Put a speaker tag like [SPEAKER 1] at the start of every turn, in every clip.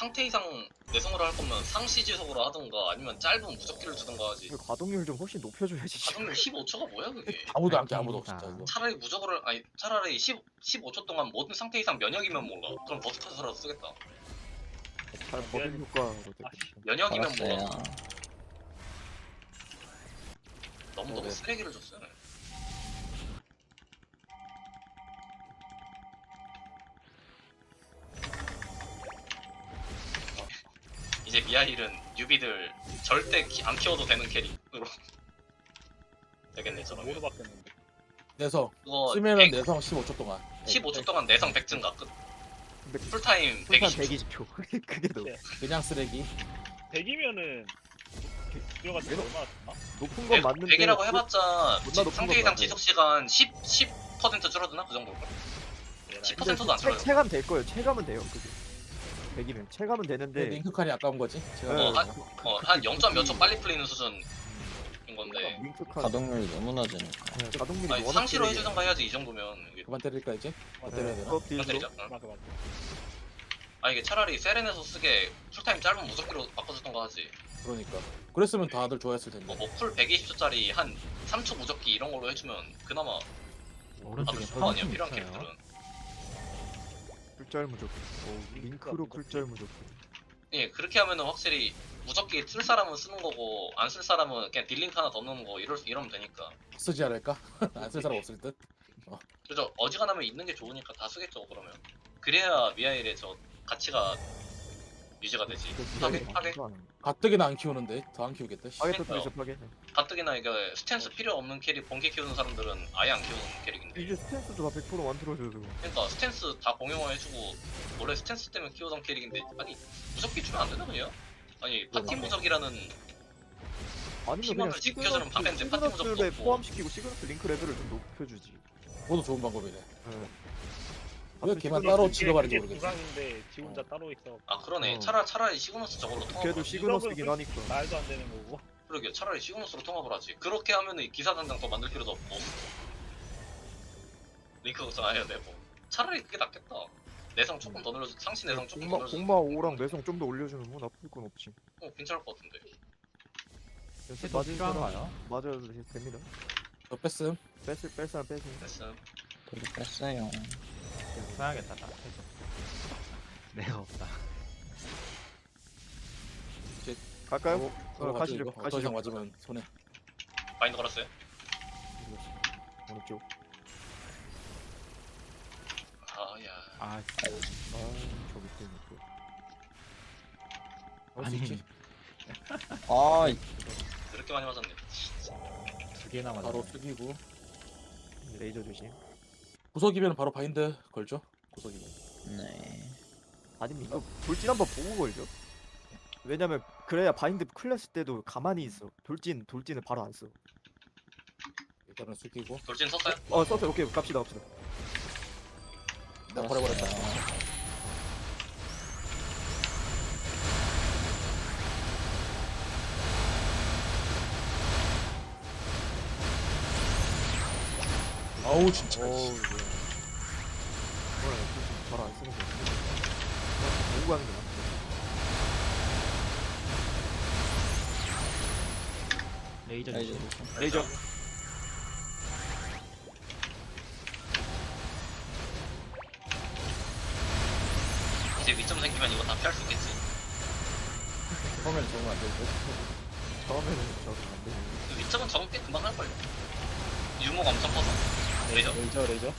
[SPEAKER 1] 상태 이상 내성으로 할 거면 상시지속으로 하던가 아니면 짧은 무적기를 주던가 하지.
[SPEAKER 2] 가동률 좀 훨씬 높여줘야지.
[SPEAKER 1] 가동률 15초가 뭐야 그게?
[SPEAKER 3] 아무도 안 깨, 아무도 진짜 이거.
[SPEAKER 1] 차라리 무적으로 아니 차라리 15초 동안 모든 상태 이상 면역이면 몰라. 그럼 버스터서라도 쓰겠다.
[SPEAKER 2] 잘 버튼 효과로 되겠다.
[SPEAKER 1] 면역이면 몰라.
[SPEAKER 4] 알았어요.
[SPEAKER 1] 너무
[SPEAKER 2] 네.
[SPEAKER 1] 쓰레기를 줬어요. 이제 미아일은 뉴비들 절대 안 키워도 되는 캐릭으로 되겠네 저러면.
[SPEAKER 5] 뭐로 바뀌었는데?
[SPEAKER 3] 내성
[SPEAKER 1] 그거
[SPEAKER 3] 쓰면은 내성 15초 동안.
[SPEAKER 1] 15초 동안 내성 100증가 끝.
[SPEAKER 2] 근데
[SPEAKER 1] 풀타임
[SPEAKER 2] 풀탄
[SPEAKER 1] 120초.
[SPEAKER 2] 120초. 그게 너무
[SPEAKER 3] 그냥 쓰레기.
[SPEAKER 5] 100이면은 들어갔을 때 얼마나 줬나?
[SPEAKER 2] 높은 건 맞는데.
[SPEAKER 1] 100이라고 해봤자
[SPEAKER 2] 존나 높은
[SPEAKER 1] 상태
[SPEAKER 2] 건
[SPEAKER 1] 이상
[SPEAKER 2] 맞아요.
[SPEAKER 1] 지속 시간 10% 줄어드나 그 정도. 10%도 안 줄어요.
[SPEAKER 2] 체감 될 거예요. 체감은 돼요. 그게 100이면 체감은 되는데.
[SPEAKER 3] 링크 칸이 아까운 거지. 제가
[SPEAKER 2] 네.
[SPEAKER 1] 한 0. 몇 초 빨리 풀리는 수준인 건데.
[SPEAKER 2] 링크 칸
[SPEAKER 4] 가동률이 너무 낮으니까.
[SPEAKER 2] 가동률이
[SPEAKER 1] 아니
[SPEAKER 2] 워낙
[SPEAKER 1] 상시로
[SPEAKER 2] 세게.
[SPEAKER 1] 해주던가 해야지 이 정도면. 이게
[SPEAKER 3] 그만 때릴까 이제? 그만 때려야 되나?
[SPEAKER 2] 수업
[SPEAKER 1] 그만
[SPEAKER 2] 딜도
[SPEAKER 1] 때리자. 응.
[SPEAKER 5] 맞아.
[SPEAKER 1] 아 이게 차라리 세렌에서 쓰게 풀타임 짧은 무적기로 바꿔주던가 하지.
[SPEAKER 3] 그러니까. 그랬으면 다들 좋아했을 텐데.
[SPEAKER 1] 뭐풀 120초짜리 한 3초 무적기 이런 걸로 해주면 그나마 다들 좋을 거 아니야 필요한 캐릭터는.
[SPEAKER 2] 쿨짤 무적. 링크로 쿨짤 무적.
[SPEAKER 1] 예 그렇게 하면은 확실히 무적기 쓸 사람은 쓰는 거고 안 쓸 사람은 그냥 딜링크 하나 더 넣는 거 이러면 되니까.
[SPEAKER 3] 쓰지 않을까? 안 쓸 사람 없을 듯.
[SPEAKER 1] 그래서 어지간하면 있는 게 좋으니까 다 쓰겠죠 그러면. 그래야 미아일의 저 가치가 유지가 되지. 파괴?
[SPEAKER 3] 가뜩이나 안 키우는데 더 안 키우겠다. 씨.
[SPEAKER 2] 파괴 터뜨리죠 파괴.
[SPEAKER 1] 가뜩이나 이게 스탠스 필요 없는 캐릭 번개 키우는 사람들은 아예 안 키우는 캐릭인데.
[SPEAKER 2] 이제 스탠스도 다 100% 만들어줘도.
[SPEAKER 1] 그러니까 스탠스 다 공용화해주고 원래 스탠스 때문에 키우던 캐릭인데 아니 무적기 주면 안 되나 그냥? 아니 파티 무적이라는
[SPEAKER 2] 아니면 그냥
[SPEAKER 1] 희망을 지켜주는 방패인데 파티 무적도
[SPEAKER 2] 시그너스에
[SPEAKER 1] 없고.
[SPEAKER 2] 포함시키고 시그너스 링크 레벨을 좀 높여주지.
[SPEAKER 3] 그것도 좋은 방법이네.
[SPEAKER 2] 네.
[SPEAKER 3] 왜 걔만 따로 지급하는지
[SPEAKER 5] 그게
[SPEAKER 3] 모르겠어.
[SPEAKER 5] 구상인데 지 혼자 따로 있어.
[SPEAKER 1] 아 그러네.
[SPEAKER 2] 어.
[SPEAKER 1] 차라리 시그너스 저걸로 통합을
[SPEAKER 2] 걔도
[SPEAKER 1] 하지.
[SPEAKER 2] 시그너스긴 하니까.
[SPEAKER 5] 말도 안 되는 거고.
[SPEAKER 1] 그러게 차라리 시그너스로 통합을 하지. 그렇게 하면은 기사 당장 더 만들 필요도 없고 링크 걱정해야 되고 차라리 그게 낫겠다. 내성 조금 더 늘려줘. 상시 내성 조금 더 늘려줘.
[SPEAKER 2] 공마 5랑 내성 좀 더 올려주면 뭐 나쁠 건 없지.
[SPEAKER 1] 괜찮을 것 같은데.
[SPEAKER 2] 그래서 맞은 사람 맞아도 됩니다.
[SPEAKER 3] 저 뺐음.
[SPEAKER 2] 뺄 사람 빼세요.
[SPEAKER 1] 됐음.
[SPEAKER 4] 되게 뺐어요.
[SPEAKER 6] 써야겠다 딱 해줘. 내가 없다.
[SPEAKER 2] 갈까요? 가시죠.
[SPEAKER 3] 더 이상
[SPEAKER 2] 가시죠.
[SPEAKER 3] 맞으면 손해.
[SPEAKER 1] 마인드 걸었어요.
[SPEAKER 2] 어느 쪽?
[SPEAKER 1] 아야.
[SPEAKER 6] 아
[SPEAKER 2] 저 밑에 있는 쪽.
[SPEAKER 3] 할수 있지.
[SPEAKER 4] 아,
[SPEAKER 1] 그렇게 많이 맞았네.
[SPEAKER 6] 두 개나 맞아.
[SPEAKER 3] 바로 숙이고.
[SPEAKER 2] 레이저 조심.
[SPEAKER 3] 구석이면 바로 바인드 걸죠. 구석이면.
[SPEAKER 4] 네.
[SPEAKER 2] 아니면 이거 돌진 한번 보고 걸죠. 왜냐면 그래야 바인드 클래스 때도 가만히 있어. 돌진을 바로 안 써.
[SPEAKER 3] 일단은 숙이고.
[SPEAKER 1] 돌진 썼어요?
[SPEAKER 2] 썼어요. 오케이 갑시다.
[SPEAKER 3] 나 버려버렸다. 아우 진짜.
[SPEAKER 2] 어우 이거. 돌진 바로 안 쓰는 거. 보고 하는 게 낫지.
[SPEAKER 6] 레이저
[SPEAKER 4] 레이저.
[SPEAKER 6] 조심.
[SPEAKER 2] 레이저.
[SPEAKER 1] 이제 위점 생기면 이거 다 피할 수 있겠지.
[SPEAKER 3] 처음에는 적응 안 되고.
[SPEAKER 2] 처음에는 저도 안 되는.
[SPEAKER 1] 그 위점은 적응 꽤 금방 할걸요. 유무가 엄청 커서. 레이저?
[SPEAKER 3] 레이저.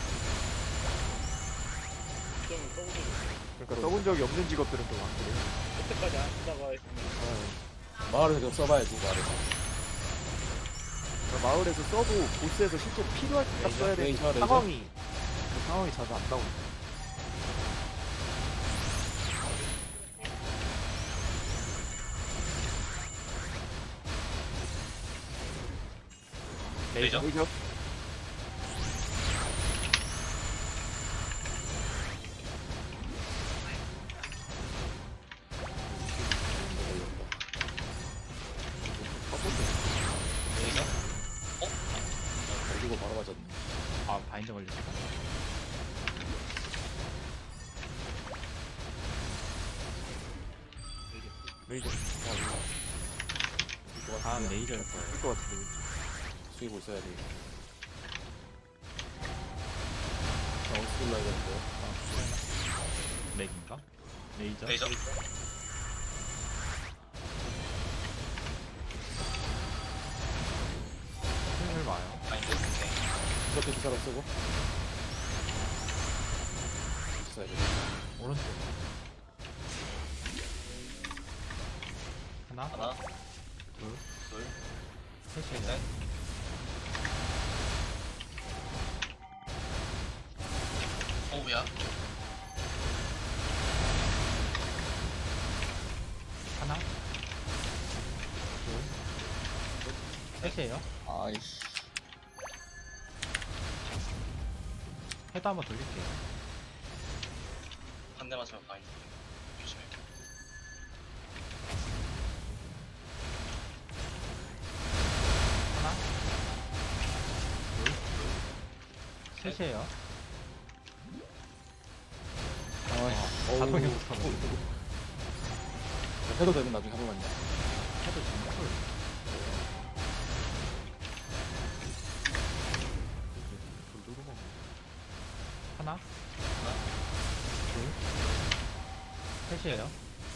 [SPEAKER 5] 좀 써보고
[SPEAKER 2] 그러니까 써본 적이 없는 직업들은 좀 안 그래.
[SPEAKER 5] 그때까지 안 쓰다가 했으면
[SPEAKER 3] 마을에서 좀 써봐야지 마을에서.
[SPEAKER 2] 그러니까 마을에서 써도 보스에서 실제 필요할 때 딱 써야 되는
[SPEAKER 3] 레이저.
[SPEAKER 2] 상황이 자주 안 나오고.
[SPEAKER 1] 레이저?
[SPEAKER 2] 레이저.
[SPEAKER 1] 레이저?
[SPEAKER 3] 걸리고 바로 맞았네.
[SPEAKER 6] 아 바인드 걸렸어.
[SPEAKER 2] 레이저.
[SPEAKER 6] 다음 레이저일 거예요.
[SPEAKER 2] 쓸것 같은데.
[SPEAKER 3] 숙이고 있어야 돼. 자, 어떻게 올라야겠는데?
[SPEAKER 6] 렉인가? 레이저?
[SPEAKER 1] 레이저.
[SPEAKER 6] 슬슬 와요.
[SPEAKER 1] 바인드. 오케이.
[SPEAKER 3] 이렇게 기사로 쓰고. 있어야 돼.
[SPEAKER 6] 오른쪽. 하나,
[SPEAKER 1] 하나,
[SPEAKER 6] 둘,
[SPEAKER 1] 둘,
[SPEAKER 6] 셋이에요.
[SPEAKER 1] 셋. 오우야.
[SPEAKER 6] 하나, 둘, 셋이에요.
[SPEAKER 4] 아이씨.
[SPEAKER 6] 헤드 한번 돌릴게요.
[SPEAKER 1] 한 대 맞으면 바인드. 조심해.
[SPEAKER 6] 하나, 둘, 셋이에요.
[SPEAKER 4] 아이씨.
[SPEAKER 6] 자동이 붙어서
[SPEAKER 3] 해도 되면 나중에 한 번만요.
[SPEAKER 6] 헤드 지금 풀. 하나, 둘, 셋이에요.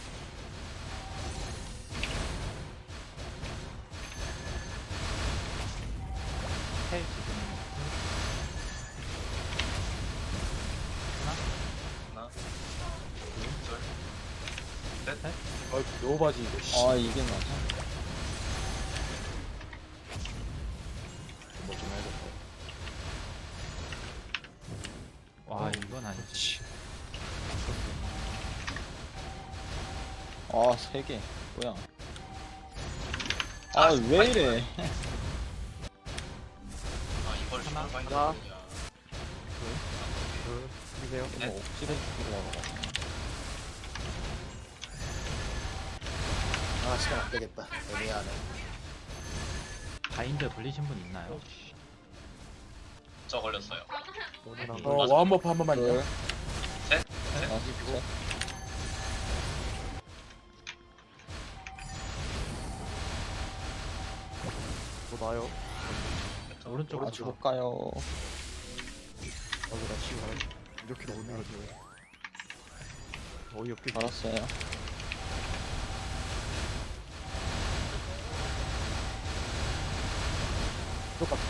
[SPEAKER 6] 셋 지금
[SPEAKER 1] 하나, 둘, 셋.
[SPEAKER 3] 아, 노바지 이거. 씨.
[SPEAKER 4] 아, 이게 맞아?
[SPEAKER 3] 뭐좀 해야겠다.
[SPEAKER 6] 와 이건 아니지.
[SPEAKER 4] 아, 3개. 뭐야? 아, 왜 이래?
[SPEAKER 1] 아 이걸
[SPEAKER 6] 하나,
[SPEAKER 1] 정말 바인드
[SPEAKER 2] 하나.
[SPEAKER 1] 거냐.
[SPEAKER 2] 믿으세요.
[SPEAKER 1] 네.
[SPEAKER 4] 뭐 억지로 죽이려고 하네.
[SPEAKER 3] 아, 시간 안 되겠다. 애매하네.
[SPEAKER 6] 바인드 불리신 분 있나요?
[SPEAKER 1] 저 걸렸어요.
[SPEAKER 2] 너는 안
[SPEAKER 3] 어, 와운버프 한 번만요.
[SPEAKER 4] 둘,
[SPEAKER 1] 셋.
[SPEAKER 4] 다섯, 셋.
[SPEAKER 2] 뭐 나요?
[SPEAKER 6] 오른쪽
[SPEAKER 4] 아,
[SPEAKER 6] 부터.
[SPEAKER 4] 줄까요?
[SPEAKER 2] 나 지금 이렇게 오는 거지. 어이없게.
[SPEAKER 4] 알았어요.
[SPEAKER 3] 똑같아.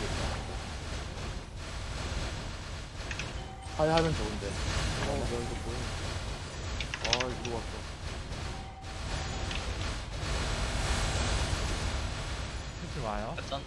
[SPEAKER 3] 하야 하면 좋은데.
[SPEAKER 2] 야 이거 뭐야? 아 이거 왔어.
[SPEAKER 6] 슬슬 와요.
[SPEAKER 1] 패턴.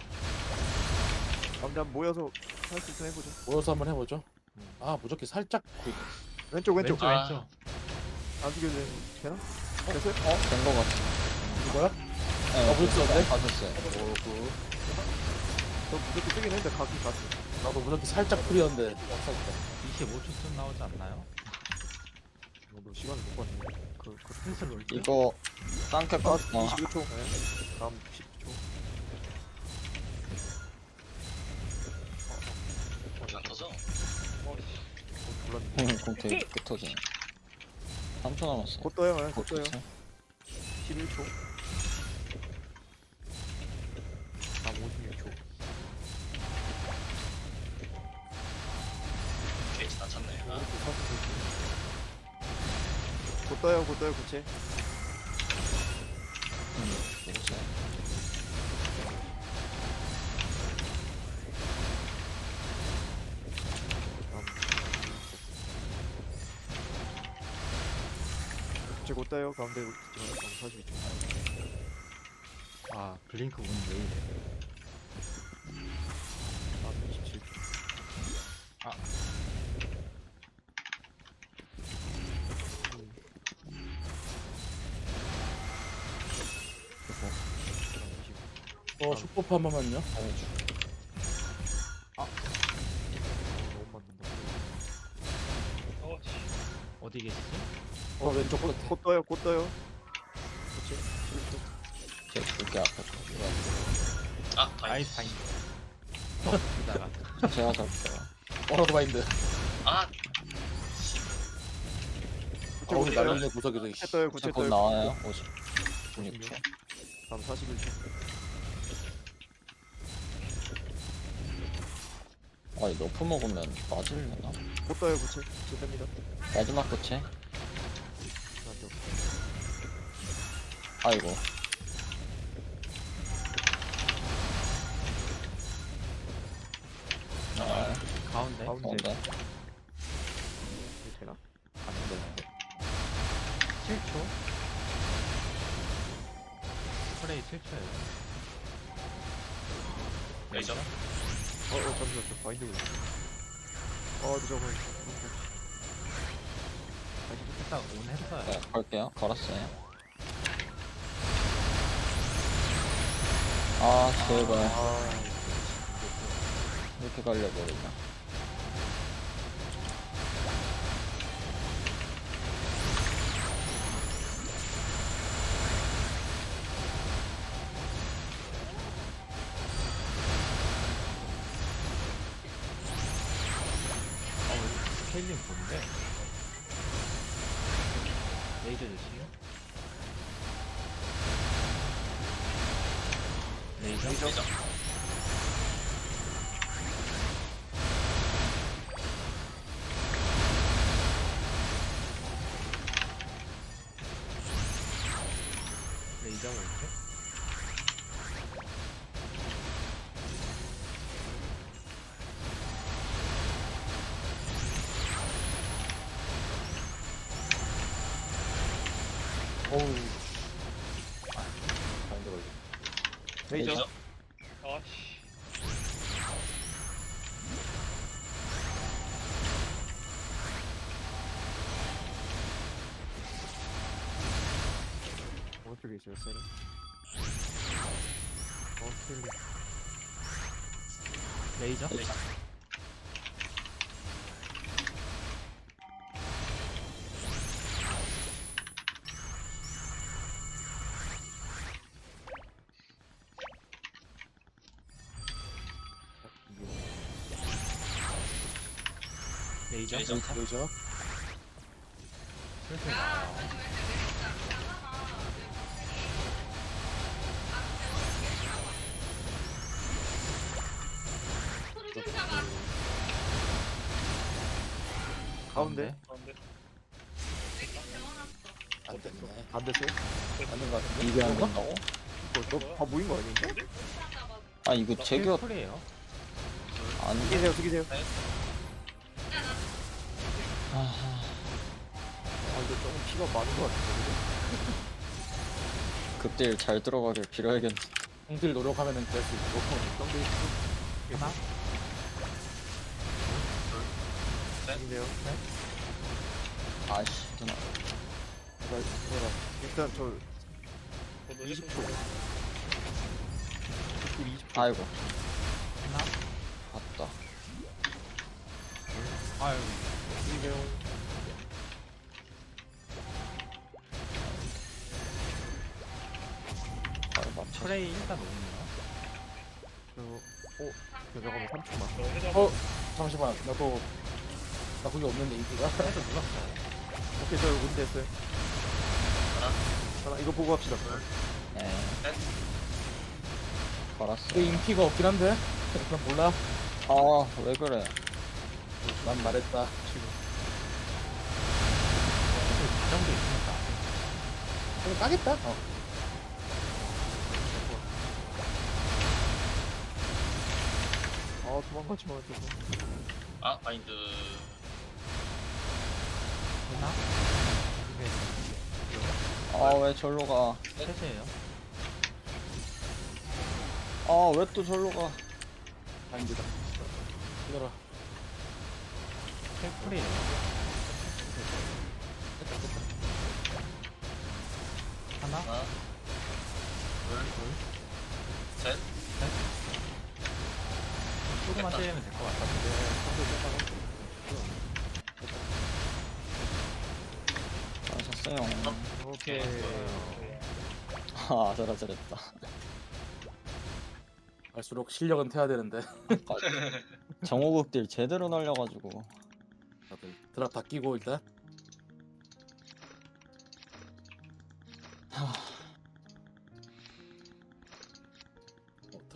[SPEAKER 2] 한번 모여서 할 수 있으면 해보죠.
[SPEAKER 3] 모여서 한번 해보죠. 아, 무조건 살짝 구이.
[SPEAKER 2] 왼쪽 왼쪽.
[SPEAKER 6] 왼쪽
[SPEAKER 1] 아.
[SPEAKER 6] 왼쪽.
[SPEAKER 2] 안 죽여도 되나? 됐어요?
[SPEAKER 4] 된 거 같아.
[SPEAKER 3] 이거야?
[SPEAKER 4] 네,
[SPEAKER 3] 불렀었는데?
[SPEAKER 4] 받았어요.
[SPEAKER 3] 오, 그.
[SPEAKER 2] 저 무조건 뜨긴 했는데 가긴 갔어.
[SPEAKER 3] 나도 무조건 살짝 풀이었는데. 없었다.
[SPEAKER 6] 25초쯤 나오지 않나요?
[SPEAKER 2] 너 시간을 못 봤네. 그
[SPEAKER 6] 슬슬 올게요.
[SPEAKER 4] 이거, 쌍캐 거?
[SPEAKER 2] 25초. 네. 다음 10초.
[SPEAKER 1] 안 터져.
[SPEAKER 2] 몰랐네.
[SPEAKER 4] 공 되게 끝터지네. 3초 남았어요.
[SPEAKER 2] 곧 떠요. 네, 곧 떠요.
[SPEAKER 4] 쳤어요.
[SPEAKER 2] 11초. 다음 56초.
[SPEAKER 1] 게이지 다 찼네. 아,
[SPEAKER 2] 곧 떠요. 곧 떠요. 고체.
[SPEAKER 4] 먹었어요.
[SPEAKER 2] 고체 곧 떠요. 가운데 42초.
[SPEAKER 6] 아 블링크 운 왜 이래?
[SPEAKER 2] 다음 27초.
[SPEAKER 6] 아.
[SPEAKER 3] 슈퍼프 한 번만요.
[SPEAKER 2] 너무 맞는다.
[SPEAKER 5] 어씨.
[SPEAKER 6] 어디 계시지?
[SPEAKER 3] 왼쪽 끝에.
[SPEAKER 2] 곧 떠요. 곧 떠요. 고체. 11초.
[SPEAKER 4] 제 두개 앞에 거.
[SPEAKER 1] 아
[SPEAKER 6] 아이
[SPEAKER 1] 바인드.
[SPEAKER 6] 바인드. 이다가
[SPEAKER 4] 제가 잡을게요.
[SPEAKER 3] 어라도 마인드.
[SPEAKER 1] 아
[SPEAKER 2] 고체
[SPEAKER 3] 어,
[SPEAKER 2] 곧
[SPEAKER 3] 우리
[SPEAKER 2] 떠요.
[SPEAKER 3] 날리는 구석에서.
[SPEAKER 2] 고체 떠요. 고체
[SPEAKER 4] 곧
[SPEAKER 2] 떠요.
[SPEAKER 4] 나와요. 50. 6초.
[SPEAKER 2] 다음 41초.
[SPEAKER 4] 아니 너프 먹으면 맞으려나?
[SPEAKER 2] 못 떠요 고체. 됩니다.
[SPEAKER 4] 마지막 끝에.
[SPEAKER 2] 안돼.
[SPEAKER 4] 아이고. 아,
[SPEAKER 6] 가운데.
[SPEAKER 2] 가운데.
[SPEAKER 4] 가운데.
[SPEAKER 2] 이거 되나?
[SPEAKER 6] 안 되는데. 7초. 프레이 7초예요.
[SPEAKER 1] 레이저.
[SPEAKER 2] 잠시만 저 바인드 걸려. 근데 저거
[SPEAKER 6] 일단 온 했어요.
[SPEAKER 4] 네, 걸게요. 걸었어요. 아, 제발. 이렇게 걸려버리냐.
[SPEAKER 6] 스케일링 뭔데? 레이저 조심. 레이저?
[SPEAKER 1] 레이저.
[SPEAKER 6] 레이저 왼쪽?
[SPEAKER 3] 어우. 바인드 걸려.
[SPEAKER 2] 레이저.
[SPEAKER 1] 레이저.
[SPEAKER 5] 아씨.
[SPEAKER 2] 오른쪽에 있어요 셀. 셀리.
[SPEAKER 6] 레이저?
[SPEAKER 1] 레이저.
[SPEAKER 6] 레이저?
[SPEAKER 1] 레이저.
[SPEAKER 3] 레이저.
[SPEAKER 6] 슬슬 나와요.
[SPEAKER 2] 가운데.
[SPEAKER 5] 가운데.
[SPEAKER 3] 안 됐네.
[SPEAKER 2] 안 됐어요?
[SPEAKER 3] 맞는 거 같은데?
[SPEAKER 4] 이게 안 된다고?
[SPEAKER 2] 다 모인 거 아닌데?
[SPEAKER 4] 아, 이거 제규어
[SPEAKER 6] 풀이에요.
[SPEAKER 4] 안 돼.
[SPEAKER 2] 죽이세요 죽이세요.
[SPEAKER 4] 아,
[SPEAKER 2] 이거 조금 피가 많은 거 같은데.
[SPEAKER 4] 그때 잘 들어가길 빌어야겠네.
[SPEAKER 3] 형들 노력하면은 될 수 있고.
[SPEAKER 6] 하나?
[SPEAKER 2] 죽이세요.
[SPEAKER 4] 아씨, 누나.
[SPEAKER 2] 일단 저
[SPEAKER 5] 저도
[SPEAKER 2] 20초. 20초.
[SPEAKER 4] 아이고,
[SPEAKER 6] 하나?
[SPEAKER 4] 봤다.
[SPEAKER 6] 아유.
[SPEAKER 2] 죽이세요.
[SPEAKER 4] 바로 맞춰.
[SPEAKER 6] 프레이 일단 오네요.
[SPEAKER 2] 잠깐만 3초만.
[SPEAKER 5] 저 회장.
[SPEAKER 3] 잠시만. 나 그게 없는데 인기가.
[SPEAKER 6] 해도 눌렀어요.
[SPEAKER 2] 오케이 저 운 됐어요. 하나 이거 보고 합시다.
[SPEAKER 4] 네.
[SPEAKER 1] 넷.
[SPEAKER 4] 걸었어.
[SPEAKER 3] 그 인기가 없긴 한데. 그럼 몰라.
[SPEAKER 4] 아, 왜 그래?
[SPEAKER 3] 난 말했다.
[SPEAKER 6] 가정도 있으니까.
[SPEAKER 3] 그럼 까겠다.
[SPEAKER 2] 도망가지 마 저거.
[SPEAKER 1] 아 바인드.
[SPEAKER 6] 하나?
[SPEAKER 4] 아, 왜 절로 가?
[SPEAKER 6] 셋이에요.
[SPEAKER 4] 아, 왜 또 절로 가?
[SPEAKER 3] 바인드다. 기다려.
[SPEAKER 6] 풀이에요. 하나?
[SPEAKER 1] 하나. 둘. 셋.
[SPEAKER 6] 조금만
[SPEAKER 1] 됐다.
[SPEAKER 6] 때리면 될 것 같은데.
[SPEAKER 4] 하셨어요.
[SPEAKER 2] 오케이.
[SPEAKER 4] 아, 잘했다.
[SPEAKER 3] 갈수록 실력은 태야 되는데.
[SPEAKER 4] 정호극딜 제대로 날려가지고.
[SPEAKER 3] 다들 드랍 다 끼고 일단.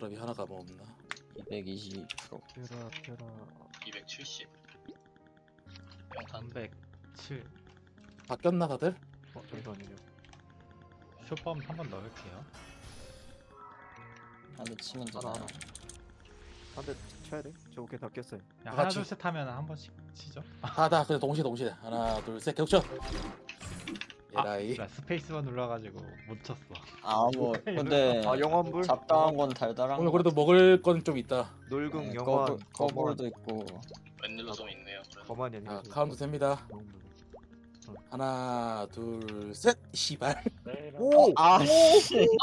[SPEAKER 3] 사람이 하나가 뭐 없나?
[SPEAKER 4] 220%.
[SPEAKER 2] 펴라.
[SPEAKER 1] 270. 평탄.
[SPEAKER 6] 307.
[SPEAKER 3] 바뀌었나 다들?
[SPEAKER 2] 잠시만요.
[SPEAKER 6] 쇼펌 한번 넣을게요.
[SPEAKER 4] 한대 치면
[SPEAKER 2] 하나,
[SPEAKER 4] 되나요?
[SPEAKER 2] 한 대 쳐야 돼? 저 오케이 다 깼어요.
[SPEAKER 6] 그냥
[SPEAKER 3] 다
[SPEAKER 6] 하나
[SPEAKER 3] 같이.
[SPEAKER 6] 둘셋 하면 한 번씩 치죠.
[SPEAKER 3] 다 그냥 동시에 하나 둘 셋 계속 쳐. 에라이.
[SPEAKER 6] 나 스페이스만 눌러가지고 못 쳤어.
[SPEAKER 4] 아, 뭐, 근데
[SPEAKER 2] 아 영원불?
[SPEAKER 4] 잡다한 건 달달한
[SPEAKER 3] 오늘
[SPEAKER 4] 거
[SPEAKER 3] 그래도 먹을 건 좀 있다.
[SPEAKER 2] 놀궁
[SPEAKER 4] 네,
[SPEAKER 2] 영원
[SPEAKER 4] 거불도 있고.
[SPEAKER 1] 웬일로 좀 있네요.
[SPEAKER 2] 거만이 아니고
[SPEAKER 3] 자 카운트 셉니다.
[SPEAKER 2] 영원불.
[SPEAKER 3] 하나 둘 셋. 시발.
[SPEAKER 5] 네,
[SPEAKER 2] 오!
[SPEAKER 4] 아, 씨.